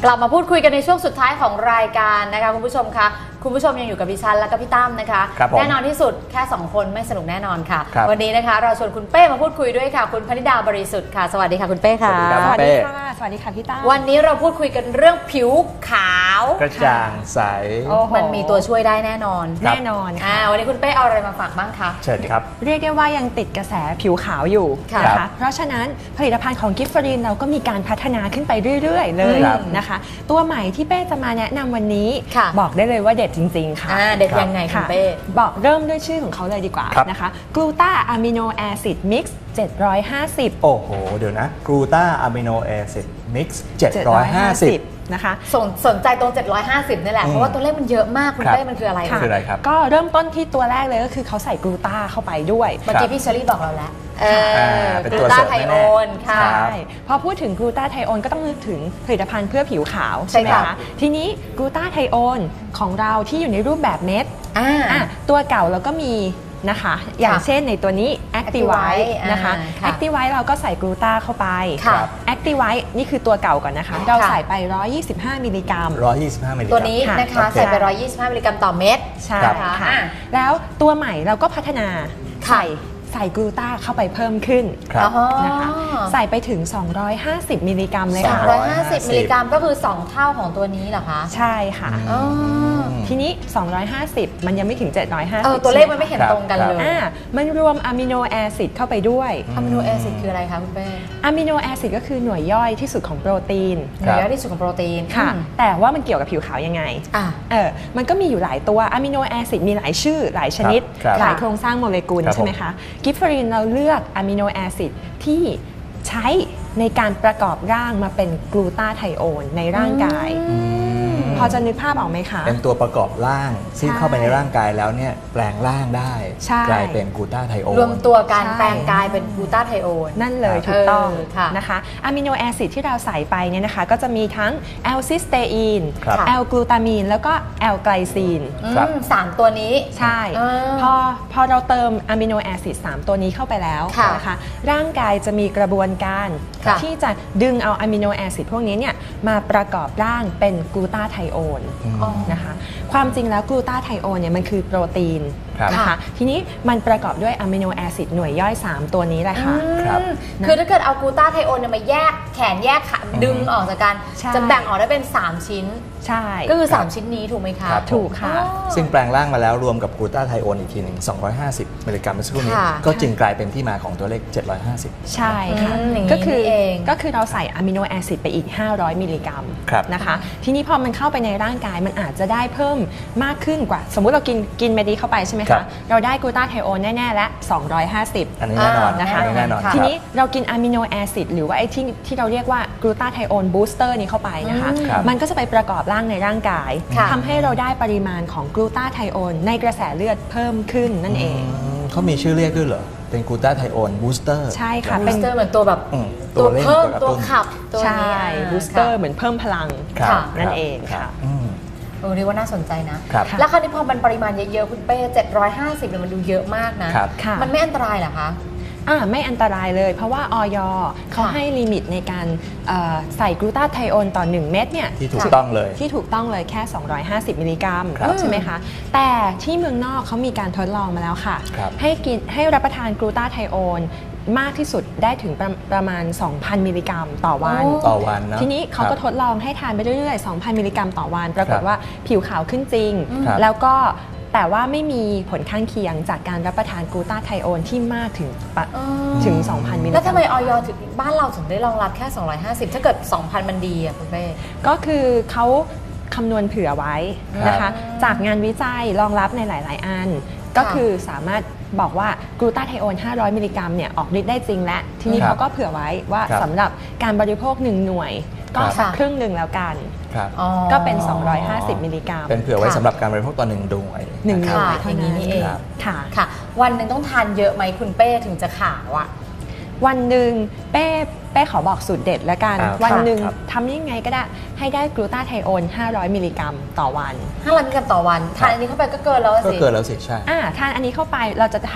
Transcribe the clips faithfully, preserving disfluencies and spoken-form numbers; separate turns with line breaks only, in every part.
กลับมาพูดคุยกันในช่วงสุดท้ายของรายการนะคะคุณผู้ชมคะคุณผู้ชมยังอยู่กับดิฉันและก็พี่ตั้มนะคะแน่นอนที่สุดแค่สองคนไม่สนุกแน่นอนค่ะวันนี้นะคะเราชวนคุณเป้มาพูดคุยด้วยค่ะคุณพนิดาบริสุทธิ์ค่ะสวัสดีค่ะคุณเป้ค่ะ
สวัสดีค่ะสวัสดีค่ะพี่ตั้ม
วันนี้เราพูดคุยกันเรื่องผิวขาว
กระจ่างใส
มันมีตัวช่วยได้แน่นอน
แน่นอนค่ะ
วันนี้คุณเป้เอาอะไรมาฝากบ้างคะ
เชิญครับ
เรียกได้ว่ายังติดกระแสผิวขาวอยู่นะคะเพราะฉะนั้นผลิตภัณฑ์ของกิฟฟรีนเราก็มีการพัฒนาขึ้นไปเรื่อยๆเลยนะคะตัวใหม่ที่เป้จะมาแนะนำวันนี้บอกได้เลยว่าเด็ดจริงๆค่ะ
เด็ดยังไงคุณเป้
บอกเริ่มด้วยชื่อของเขาเลยดีกว่านะคะกลูตาอะมิโนแอซิดมิกซ์เจ็ดร้อยห้าสิบ
โอ้โหเดี๋ยวนะกลูตาอะมิโนแอซิดมิกซ์เจ็ดร้อยห้าสิบ
นะคะ
สนสนใจตรงเจ็ดร้อยห้าสิบนี่แหละเพราะว่าตัวเลขมันเยอะมากคุณเป้มันคืออะไร
คืออะไรครับ
ก็เริ่มต้นที่ตัวแรกเลยก็คือเขาใส่กลูตาเข้าไปด้วย
เมื่อกี้พี่เชอรี่บอกเราแล้วกลูตาไทโอน ค่ะ
พอพูดถึงกลูตาไทโอนก็ต้องนึกถึงผลิตภัณฑ์เพื่อผิวขาวใช่ไหมคะทีนี้กลูตาไทโอนของเราที่อยู่ในรูปแบบเม็ดตัวเก่าเราก็มีนะคะอย่างเช่นในตัวนี้ Activite นะคะ Activite เราก็ใส่กลูตาเข้าไป Activite นี่คือตัวเก่าก่อนนะคะเราใส่ไปหนึ่งร้อยยี่สิบห้ามิลลิกรัม
หนึ่งร้อยยี่สิบห้ามิลลิกรัม
ตัวนี้นะคะใส่ไปหนึ่งร้อยยี่สิบห้ามิลลิกรัมต่อเม็ด
ใช่ค่ะแล้วตัวใหม่เราก็พัฒนาใส่ใส่กลูตาเข้าไปเพิ่มขึ้นนะคะใส่ไปถึงสองร้อยห้าสิบมิลลิกรัมเลยค่ะ
สองร้อยห้าสิบมิลลิกรัมก็คือสองเท่าของตัวนี้เหรอคะ
ใช่ค่ะทีนี้สองร้อยห้าสิบมันยังไม่ถึงเจ็ดร้อยห้าสิบ
เออตัวเลขมันไม่เห็นตรงกันเลย
อ่ามันรวมอะมิโนแอซิดเข้าไปด้วย
อะมิโนแอซิดคืออะไรคะคุณเป้
อะมิโนแอซิดก็คือหน่วยย่อยที่สุดของโปรตีน
หน่วยย่อยที่สุดของโปรตีน
ค่ะแต่ว่ามันเกี่ยวกับผิวขาวยังไงอ่าเออมันก็มีอยู่หลายตัวอะมิโนแอซิดมีหลายชื่อหลายชนิดหลายโครงสร้างโมเลกุลใช่ไหมคะกิฟฟรีนเราเลือกอะมิโนแอซิดที่ใช้ในการประกอบร่างมาเป็นกลูตาไทโอนในร่างกายพอจะนึกภาพออกไหมคะ
เป็นตัวประกอบร่างซึ่งเข้าไปในร่างกายแล้วเนี่ยแปลงร่างได้กลายเป็นกลูตาไทโอน
รวมตัวการแปลงกายเป็นกลูตาไทโอน
นั่นเลยถูกต้องนะคะอะมิโนแอซิดที่เราใส่ไปเนี่ยนะคะก็จะมีทั้งแอลซิสเตอีนแอลกลูตามีนแล้วก็แอลไกลซีน
สามตัวนี้
ใช่พอพอเราเติมอะมิโนแอซิดสามตัวนี้เข้าไปแล้วนะคะร่างกายจะมีกระบวนการที่จะดึงเอาอะมิโนแอซิดพวกนี้เนี่ยมาประกอบร่างเป็นกลูตาไทโอนนะคะความจริงแล้วกลูตาไทโอนเนี่ยมันคือโปรตีนนะคะทีนี้มันประกอบด้วยอะมิโนแอซิดหน่วยย่อยสามตัวนี้แหละค่ะ
คือถ้าเกิดเอากลูตาไทโอนเนี่ยมาแยกแขนแยกขาดึงออกจากกันจะแบ่งออกได้เป็นสามชิ้น
ใช่
ก็คือสามชิ้นนี้ถูกไหมคะ
ถูกค่ะ
ซึ่งแปลงร่างมาแล้วรวมกับกลูตาไทโอนอีกทีหนึ่งสองร้อยห้าสิบมิลลิกรัมเมื่อสักครู่นี้ก็จึงกลายเป็นที่มาของตัวเลขเจ็ดร้อยห้าสิบ
ใช่ค่ะก็คือก็คือเราใส่อะมิโนแอซิดไปอีกห้าร้อยมิลลิกรัมนะคะทีนี้พอมันเข้าไปในร่างกายมันอาจจะได้เพิ่มมากขึ้นกว่าสมมุติเรากินกินเมดีเข้าไปใช่ไหมคะเราได้กลูตาไทโอนแน่ๆและสองร้อยห้าสิบ
อันนี้แน่นอน
นะคะทีนี้เรากินอะมิโนแอซิดหรือว่าไอ้ที่ที่เราเรียกว่ากลูตาไทโอนบูสเตอร์นี้เข้าไปนะคะมันก็จะไปประกอบร่างในร่างกายทำให้เราได้ปริมาณของกลูตาไทโอนในกระแสเลือดเพิ่มขึ้นนั่นเอง
เขามีชื่อเรียกด้วยเหรอเป็นกลูตาไทโอนบูสเตอร์
ใช่ค่ะ
บูสเตอร์เหมือนตัวแบบ
ตัว
เพิ่มตัวขับ
ใช่บูสเตอร์เหมือนเพิ่มพลังนั่นเองค่ะ
เออเรียกว่าน่าสนใจนะแล้วคราวนี้พอมันปริมาณเยอะๆคุณเป้เจ็ดร้อยห้าสิบเนี่ยมันดูเยอะมากนะมันไม่อันตรายเหรอคะ
อ่าไม่อันตรายเลยเพราะว่าอย.เขาให้ลิมิตในการใส่กลูตาไทโอนต่อหนึ่งเม็ดเนี่ย
ที่ถูกต้องเลย
ที่ถูกต้องเลยแค่สองร้อยห้าสิบมิลลิกรัมใช่ไหมคะแต่ที่เมืองนอกเขามีการทดลองมาแล้วค่ะให้กินให้รับประทานกลูตาไทโอนมากที่สุดได้ถึงประประมาณ สองพันมิลลิกรัมต่อวัน
ต่อวันนะ
ทีนี้เขาก็ทดลองให้ทานไปเรื่อยๆ สองพันมิลลิกรัมต่อวันปรากฏว่าผิวขาวขึ้นจริงแล้วก็แต่ว่าไม่มีผลข้างเคียงจากการรับประทานกลูตาไทโอนที่มากถึงถึง สองพันมิลลิกรัม
แล้วทำไมอย.ถึงบ้านเราถึงได้รองรับแค่สองร้อยห้าสิบถ้าเกิด สองพัน มันดีอ่ะคุณเป้
ก็คือเขาคำนวณเผื่อไว้นะคะจากงานวิจัยรองรับในหลายๆอันก็คือสามารถบอกว่ากลูตาไทโอนห้าร้อยมิลลิกรัมเนี่ยออกฤทธิ์ได้จริงและทีนี้เขาก็เผื่อไว้ว่าสำหรับการบริโภคหนึ่งหน่วยก็สักครึ่งหนึ่งแล้วกันก็เป็นสองร้อยห้าสิบมิลลิกรัม
เป็นเผื่อไว้สำหรับการบริโภคต่อหนึ่งหน่วย
หนึ่งหน่วย
อย่างนี้นี่เอง
ค่ะ
ค่ะวันหนึ่งต้องทานเยอะไหมคุณเป้ถึงจะขาวอ่ะ
วันหนึ่งเป้เป้ขอบอกสูตรเด็ดแล้วกันวันหนึ่งทำยังไงก็ได้ให้ได้กลูตาไทโอนห้าร้อยมิลลิกรัมต่อวัน
ห้าร้อยมิลลิกรัมต่อวันทานอันนี้เข้าไปก็เกินแล้วสิ
ก็เกินแล้วสิใช่
อ่าทานอันนี้เข้าไปเราจะทาน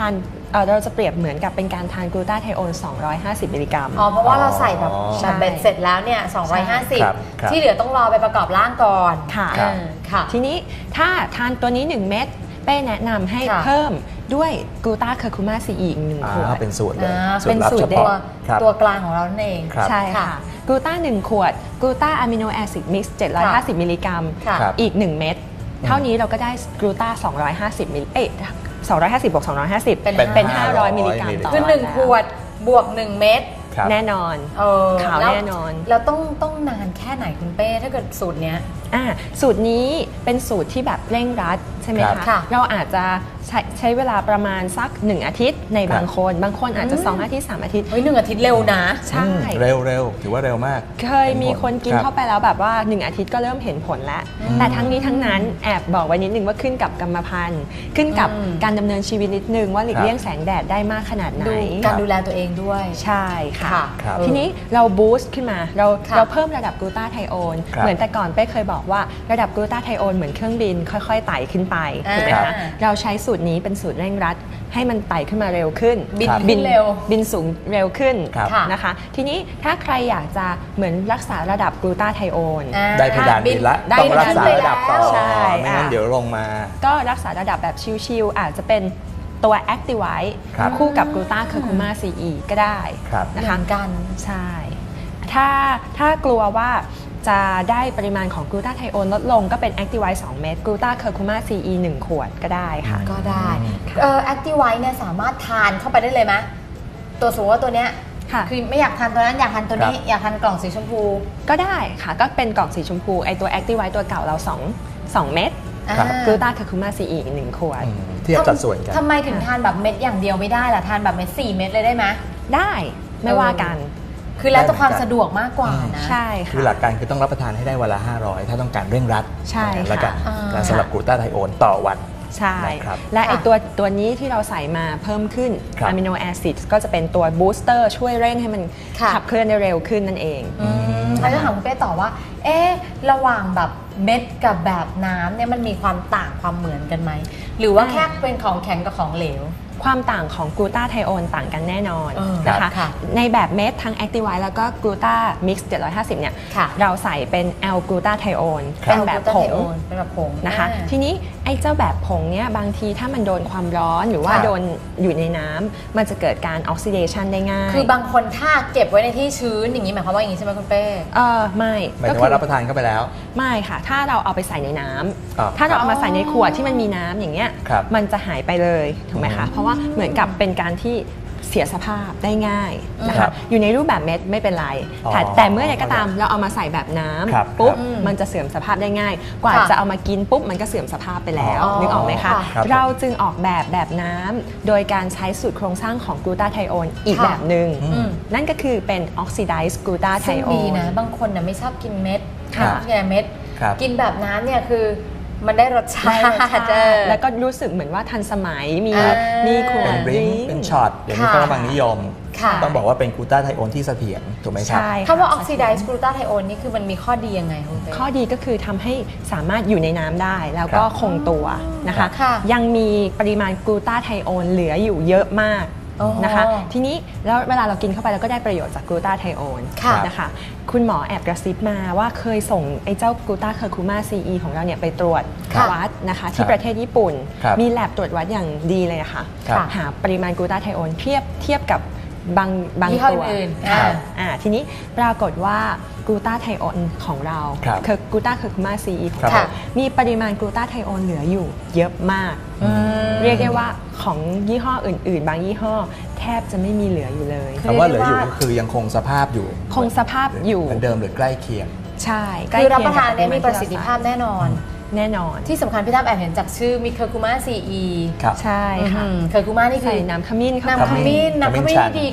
เอ่อเราจะเปรียบเหมือนกับเป็นการทานกลูตาไทโอนสองร้อยห้าสิบมิลลิกรัม
อ๋อเพราะว่าเราใส่แบบ
อ๋อ
แบบเบ็ดเสร็จแล้วเนี่ยสองร้อยห้าสิบ
ครับครับ
ที่เหลือต้องรอไปประกอบร่างก่อน
ค่ะ
เออค่ะ
ทีนี้ถ้าทานตัวนี้หนึ่งเม็ดเป้แนะนำให้
ค่ะ
เพิ่มด้วยกลูตาเคอร์คูมาซีอีกหนึ่งขว
อ่า
ด
เป็นสูตรเลย
อ่า
สู
เป็
ต
น
รลับ
สู
เฉ
ตรตัว
พาะครับ
ตัวกลางของเรานั่นเอง
ครับ
ใช่ค่ะกลูตาหนึ่งขวดกลูตาอะมิโนแอซิดมิกซ์เจ็ดร้อยห้าสิบมิลลิกรัม
ค่ะ
ครับ
อีกหนึ่งเม็ดเท่านี้เราก็ได้กลูตาสองร้อยห้าสิบมิลลิเอ๊ะสองร้อยห้าสิบบวกสองร้อยห้าสิบ
เป็น
เป็น
ห้า
ห้า
ร้
ร้
อ
อย ยมิลลิกรัมต่อ
คือ
วัน
หนึ่ง
แล้ว
ขวดบวกหนึ่งเม็ด
ครับ
แน่นอน
เออ
ขาว
แล้ว
แน่นอน
แล้วต้องต้องนานแค่ไหนคุณเป้ถ้าเกิดสูตรเนี้ย
อ่าสูตรนี้เป็นสูตรที่แบบเร่งรัดใช่ไหม
ครับ
คะ
ค่ะ
เราอาจจะใช้ใช้เวลาประมาณสักหนึ่งอาทิตย์ในบาง
ครับ
คน บางคนอาจจะ
อืม
สองอาทิตย์สามอาทิตย์
เฮ้ยหนึ่งอาทิตย์เร็วนะ
ใช่
อืมเร็วเร็วถือว่าเร็วมาก
เคยมีคนกิน
รับ
เข้าไปแล้วแบบว่าหนึ่งอาทิตย์ก็เริ่มเห็นผลแล้ว
อืม
แต่ทั้งนี้ทั้งนั้นแอบบอกไว้นิดนึงว่าขึ้นกับกรรมพันธุ์ ขึ้นกับ
อืม
การดำเนินชีวิตนิดนึงว่าหลีกเลี่ยงแสงแดดได้มากขนาดไหน
ดูการดูแลตัวเองด้วย
ใช่ค่ะ
ค่ะ
ครับ
ทีนี้เราบูสต์ขึ้นมาเรา
ค่ะ
เราเพิ่มระดับกลูตาไทโอน
ครับ
เหมือนแต่ก่อนเป้เคยบอกว่าระดับกลูตาไทโอนเหมือนเครื่องบินค่อยๆไต่ขึ้นไปถูกไหม
อ่า
คะเราใช้สูตรนี้เป็นสูตรเร่งรัดให้มันไต่ขึ้นมาเร็วขึ้น
บิน
ครับ
ขึ้นเร็ว
บินสูงเร็วขึ้น
ครับ
ค่ะ
นะคะ ทีนี้ถ้าใครอยากจะเหมือนรักษาระดับกลูตาไทโอน
อ่า
ได้เพดานบินละ
ได้
ต้องรักษา
เพดาน
ระดับต่อ
ใช่
ไม่งั้น
อ่ะ
เดี๋ยวลงมา
ก็รักษาระดับแบบชิลๆอาจจะเป็นตัว Activite
ครับ
คู่กับกลูตาเคอร์คูมาซีอีก็ได้
ครับ
เห
นะคะ
มือนกัน
ใช่ ถ้าถ้ากลัวว่าจะได้ปริมาณของกลูตาไทโอนลดลงก็เป็น Activite สองเม็ดกลูตาเคอร์คูมาซีอีหนึ่งขวดก็ได้ค่ะ
ก็ได้
ค่ะ
เออ Activite เนี่ยสามารถทานเข้าไปได้เลยไหมตัวสมมติว่าตัวเนี้ย
ค่ะ
คือไม่อยากทานตัวนั้นอยากทานตัวนี้
ครับ
อยากทานกล่องสีชมพู
ก็ได้ค่ะ ก็เป็นกล่องสีชมพูไอตัว Activite ตัวเก่าเราสองสองเม็ด
ครับ
อ่า
กลูตาเคอร์คูมาซีอีอีกหนึ่งขวด
อืมเทียบสัดส่วนกัน
ทำไมถึงทานแบบเม็ดอย่างเดียวไม่ได้ล่ะทานแบบเม็ดสี่เม็ดเลยได้ไหม
ได้ไม่ว่ากัน
คือแล้วแต่ความ
ได้เหมือนกัน
สะดวกมากกว่านะ
ใช่
คือ
ค่ะ
หลักการคือต้องรับประทานให้ได้วันละห้าร้อยถ้าต้องการเร่งรัด
ใช่ค่ะ
แล้วกัน
อ่า
และสำหรับกลูตาไทโอนต่อวัน
ใช่
นะครับ
และไอ
ค่ะ
ตัวตัวนี้ที่เราใส่มาเพิ่มขึ้น
ครับ
อะมิโนแอซิดก็จะเป็นตัวบูสเตอร์ช่วยเร่งให้มัน
ค่ะ
ขับเคลื่อนได้เร็วขึ้นนั่นเอง
อืมแล้วจะถามคุณเป้ต่อว่า เอ๊ะระหว่างแบบเม็ดกับแบบน้ำเนี่ยมันมีความต่างความเหมือนกันไหม หรือว่าแค่เป็นของแข็งกับของเหลว
ความต่างของกลูตาไทโอนต่างกันแน่นอน
เออ
นะคะ
ค่ะ
ในแบบเม็ดทั้ง Activite แล้วก็กลูตามิกซ์เจ็ดร้อยห้าสิบเนี่ย
ค่ะ
เราใส่เป็นแอลกลูตาไทโอน
ครับ
เป็นแบบผง
เป็นแบบผง
นะคะ
อ่า
ทีนี้ไอ้เจ้าแบบผงเนี่ยบางทีถ้ามันโดนความร้อนหรือว่า
ครับ
โดนอยู่ในน้ำมันจะเกิดการออกซิเดชันได้ง่าย
คือบางคนถ้าเก็บไว้ในที่ชื้นอย่างนี้หมายความว่าอย่างนี้ใช่ไหมคุณเป้
เออไม่
หมาย
ก็
ถึง
คื
ว่ารับประทานเข้าไปแล้ว
ไม่ค่ะ ถ้าเราเอาไปใส่ในน้ำ
อ่า
ถ้าเราเอามาใส่ในขวดที่มันมีน้ำอย่างเงี้ย
ครับ
มันจะหายไปเลยถูกไหมคะ
อืม
เพราะว่าเหมือนกับเป็นการที่เสียสภาพได้ง่ายนะ
ครั
คะ
บ
อยู่ในรูปแบบเม็ดไม่เป็นไร
อ๋อ
แต่แต่เมื่อใดก็ตามเราเอามาใส่แบบน้ำ
ครับ
ปุ๊บ
ครับ
มันจะเสื่อมสภาพได้ง่าย กว่า
ค่ะ
จะเอามากินปุ๊บมันก็เสื่อมสภาพไปแล้ว
อ๋อ
นึกออกไหมคะ
ครับ
เราจึงออกแบบแบบน้ำโดยการใช้สูตรโครงสร้างของกลูตาไทโอนอีก
ค่ะ
แบบหนึ่ง
อืม
นั่นก็คือเป็นออกซิไดซ์กลูตาไท
ซึ่ง
โอ
ดี
น
นะ บางคนน่ะไม่ชอบกินเม็ด
ค่ะ
ชอบกินเม็ด
ครับ
กินแบบน้ำเนี่ยคือมันได้รสชา
ได้
ติ
รสชาติ
เออ
แล้วก็รู้สึกเหมือนว่าทันสมัยมี
อ่ามี
มีขว
เป็
ด
นบริง
ด
เป็นช็อตเดี๋ยวนี้
ค่ะ
ก็กำลังนิยม
ค่ะ
ต้องบอกว่าเป็นกลูตาไทโอนที่เสถียรถูกไหมครับ
ใช่
คำว่าออกซิไดซ์กลูตาไทโอนนี่คือมันมีข้อดียังไงคุณเป้
ข้อดีก็คือทำให้สามารถอยู่ในน้ำได้แล้วก็
ครับ
คงตัวนะคะ
ค่ะ
ยังมีปริมาณกลูตาไทโอนเหลืออยู่เยอะมาก
อ๋อ
นะคะ ทีนี้แล้วเวลาเรากินเข้าไปเราก็ได้ประโยชน์จากกลูตาไทโอน
ค่ะ
นะคะคุณหมอแอบกระซิบมาว่าเคยส่งไอ้เจ้ากลูตาเคอร์คูมาซีอีของเราเนี่ยไปตรวจ
ค่ะ
วัดนะคะที่ประเทศญี่ปุ่น
ครับ
มีแลบตรวจวัดอย่างดีเลยอะค่ะ
ครับ
หาปริมาณกลูตาไทโอนเทียบเทียบกับบางบาง
ยี่ห้อ
ตัว
อื่นๆ
ค่ะ
อ่า
อ่าทีนี้ปรากฏว่ากลูตาไทโอนของเรา
ครับ
คือกลูตาเคอร์คูมาซีอีของ
ครับ
เรามีปริมาณกลูตาไทโอนเหลืออยู่เยอะมาก
อืม
เรียกได้ว่าของยี่ห้ออื่น ๆ บางยี่ห้อแทบจะไม่มีเหลืออยู่เลย
คือ
คำว่าเหลืออยู่
เรียกได้ว่า
ก็คือยังคงสภาพอยู่
คงสภาพอยู่
เหมือนเดิมหรือใกล้เคียง
ใช่
คือรับประทาน
ใกล้
เนี่ย
คียงกับ
มีประสิทธิภาพแน่นอน
แน่นอน
ที่สำคัญพี่ตั้มแอบเห็นจากชื่อมิเคอร์คูมาซีอี
ครับ
ใช่ค่ะ
เคอร์คูมานี่คื
ใส่
อ
น้ำขมิ้นเข้า
น้ำข
ไป
มิ้นน้ำข
ขมิ้
มิ้
น
น
ชัน
ที่ดีกับ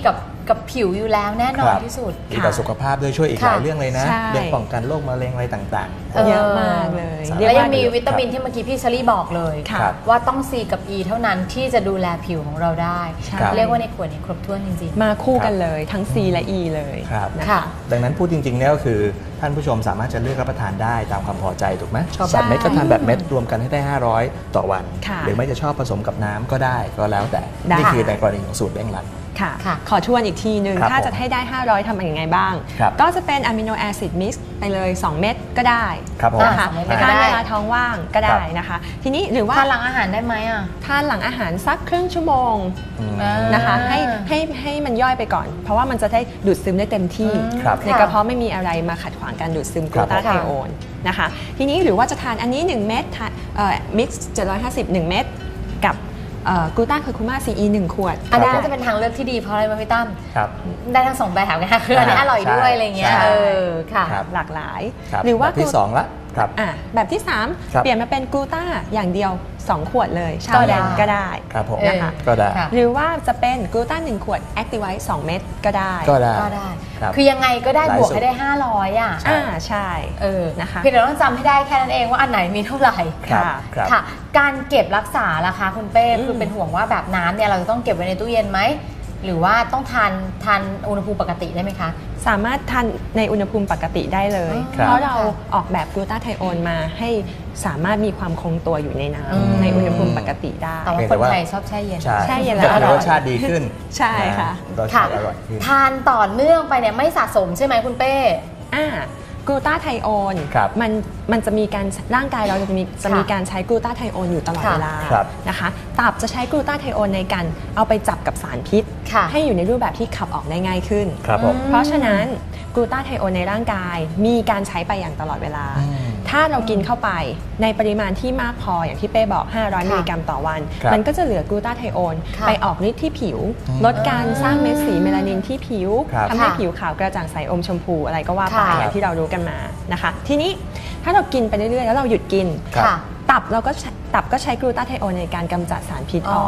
กับผิวอยู่แล้วแน่นอนที่สุด
ดีต่อสุขภาพด้วยช่วยอีกหลายเรื่องเลยนะ
ใช่
เรื่องป้องกันโรคมะเร็งอะไรต่างๆ
เยอะมากเลย
แล้วยังมีวิตามินที่เมื่อกี้พี่เชอรี่บอกเลย
ครับ
ว่าต้อง C กับ E เท่านั้นที่จะดูแลผิวของเราได้
ใช่
เรียกว่าในขวดนี้ครบถ้วนจริงๆ
มาคู่กันเลยทั้ง C และ E เลย
ครับ
นะ
ค่ะ
คะ
ดังนั้นพูดจริงๆเนี่ยก็คือท่านผู้ชมสามารถจะเลือกรับประทานได้ตามความพอใจถูกไหมชอบแบบเม็ดก็ทานแบบเม็ดรวมกันให้ได้ห้าร้อยต่อวัน
ค่ะ
หรือไม่จะชอบผสมกับน้ำก็ได้ก็แล้วแต่
ได้
นี่คือในกรณีของสูตรเร่งรัด
ค่ะ
ค่ะ
ขอทวนอีกทีหนึ่ง
ครับ
ถ้าจะให้ได้ ห้าร้อยทำยังไงบ้าง
ครับ
ก็จะเป็นอะมิโนแอซิดมิกซ์ไปเลย สอง เม็ดก็ได้
ครับผม
นะคะ
สองเม็ดก็
ทาน
ได้
เวลาท้องว่างก็ได้นะคะ ทีนี้หรือว่า
ทานหลังอาหารได้ไหมอ่ะ
ทานหลังอาหารสักครึ่งชั่วโมง
อืม
อ่า
นะคะให้ให้ให้มันย่อยไปก่อน เพราะว่ามันจะได้ดูดซึมได้เต็มที่
ครับ
ในกระเพาะไม่มีอะไรมาขัดขวางการดูดซึมก
ครั
ลู
บ
ตาไทโอนนะคะทีนี้หรือว่าจะทานอันนี้ หนึ่ง เม็ดทานเอ่อมิกซ์เจ็ดร้อยห้าสิบ หนึ่ง เม็ดกับกลูตาเคอร์คูมาซีอีหนึ่งขวด
อันนี้
ครับ
จะเป็นทางเลือกที่ดีเพราะอะไรมาพี่ตั้ม
ครับ
ได้ทั้งสองแบบไงคะคืออันนี้อร่อยด้วย
ใช่
อะไรเงี้ย
ใช่
เออค่ะ
ครับ
หลากหลาย
ครับ
หรือว่า
แบบที่สองละครับ
อ่ะแบบที่ สาม
ครับ
เปลี่ยนมาเป็นกลูตาอย่างเดียว สอง ขวดเลยเช้า
ก็ได้
เย็นก็ได้
ครับผม
นะคะ
ก็ได้
ค่ะ
หรือว่าจะเป็นกลูตาหนึ่งขวดแอคติไวท์สองเม็ดก็ได้
ก็ได้
ก็ได้
ครับ
คือยังไงก็ได้
หลาย
บวก
สูตร
ให้ได้ห้าร้อยอ่ะ
อ่าใช่
เออ
นะคะ
เพียงแต่ต้องจำให้ได้แค่นั้นเองว่าอันไหนมีเท่าไหร่
ครับ
ค่ะ
ครับ
ค่ะ การเก็บรักษาล่ะคะคุณเป้
อืม
คือเป็นห่วงว่าแบบน้ำเนี่ยเราจะต้องเก็บไว้ในตู้เย็นไหมหรือว่าต้องทานทานอุณหภูมิปกติได้ไหมคะ
สามารถทานในอุณหภูมิปกติได้เลย
ครับ
เพราะเราออกแบบกลูตาไทโอนมาให้สามารถมีความคงตัวอยู่ในน้
อืม
ำในอุณหภูมิปกติได้
แต่ว่า
เพียง
ค
แต่
น
ว่า
ไทยชอบแช่เย็น
ใช่
ใช่เย็นแล้
จะ
วอ
ทำ
ร่
ให้
อย
รสชาติดีขึ้น
ใช่ค่ะ
นรส
ค่ะ
ชาติอร่อยขึ้น
ทานต่อเนื่องไปเนี่ยไม่สะสมใช่ไหมคุณเป้
อ่ากลูตาไทโอน
ครับ
มันมันจะมีการร่างกายเราจะมีจะมีการใช้กลูตาไทโอนอยู่ตลอด
ค่ะ
เวลา
ครับ
นะคะตับจะใช้กลูตาไทโอนในการเอาไปจับกับสารพิษ
ค่ะ
ให้อยู่ในรูปแบบที่ขับออกได้ง่ายขึ้น
ครับผม
เพราะฉะนั้นกลูตาไทโอนในร่างกายมีการใช้ไปอย่างตลอดเวลา
อืม
ถ้าเรากินเข้าไปในปริมาณที่มากพออย่างที่เป้บอก ห้าร้อย
ค่ะ
มิลลิกรัมต่อวัน
ครับ
มันก็จะเหลือกลูตาไทโอน
ค่ะ
ไปออกฤทธิ์ที่ผิว
อืม
ลดการสร้างเม็ดสีเมลานินที่ผิว
ครับ
ทำให้
ค่ะ
ผิวขาวกระจ่างใสอมชมพูอะไรก็ว่าไป
ค่ะ
อย่างที่เรารู้กันมานะคะ ทีนี้ถ้าเรากินไปเรื่อยๆแล้วเราหยุดกิน
ครับ
ค่ะ
ตับเราก็ใช้ตับก็ใช้กลูตาไทโอนในการกำจัดสารพิษอ
อ๋อ
อก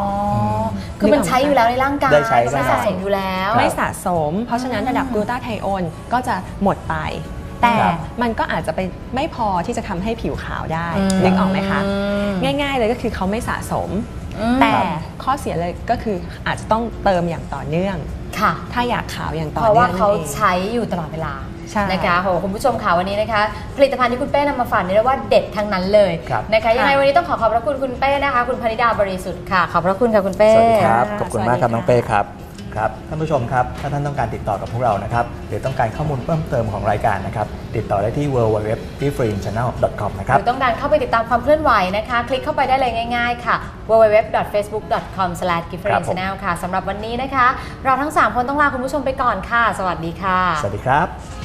คือมันใช้อยู่แล้วในร่างกาย
ได้ใช้
ไม่
ได้
สะสมอยู่แล้ว
ไม่สะสม เพราะฉะนั้นระดับกลูตาไทโอนก็จะหมดไป แต่
ครับ
มันก็อาจจะไปไม่พอที่จะทำให้ผิวขาวได้
อืม
นึกออกไหมคะ
อืม
ง่าย ๆ เลยก็คือเขาไม่สะสม
อืม
แต่ข้อเสียเลยก็คืออาจจะต้องเติมอย่างต่อเนื่อง
ค่ะ
ถ้าอยากขาวอย่างต่อ
เพราะ
เนื่
ว่า
องนั่
เขา
นเอง
ใช้อยู่ตลอดเวลา
ใช่
นะคะโหคุณผู้ชมค่ะวันนี้นะคะ ผลิตภัณฑ์ที่คุณเป้นำมาฝากนี่เรียกว่าเด็ดทั้งนั้นเลย
ครับ
นะคะยังไง
ค่ะ
วันนี้ต้องขอขอบพระคุณคุณเป้นะคะ คุณพนิดาบริสุทธิ์ค่ะขอบพระคุณค่ะคุณเป้
สวัสดีครับ
ค่ะ
ขอบคุณมากครับ
สวัสดี
น้องเป้ครับ ครับท่านผู้ชมครับ ถ้าท่านต้องการติดต่อกับพวกเรานะครับ หรือต้องการข้อมูลเพิ่มเติมของรายการนะครับ ติดต่อได้ที่ ดับเบิลยู ดับเบิลยู ดับเบิลยู ดอท พี ฟรี ชาแนล ดอท คอม นะค
ห
รับ
รือต้องการเข้าไปติดตามความเคลื่อนไหวนะคะ คลิกเข้าไปได้เลยง่ายๆค่ะ ดับเบิลยู ดับเบิลยู ดับเบิลยู ดอท เฟซบุ๊ก ดอท คอม สแลช กิฟเฟอ
ครับ
รี
ผม
ชาแนล ค่ะสำหรับวันนี้นะคะ เราทั้งสามคนต้องลาคุณผู้ชมไปก่อนค่ะ สวัสดีค่ะ
สวัสดีครับ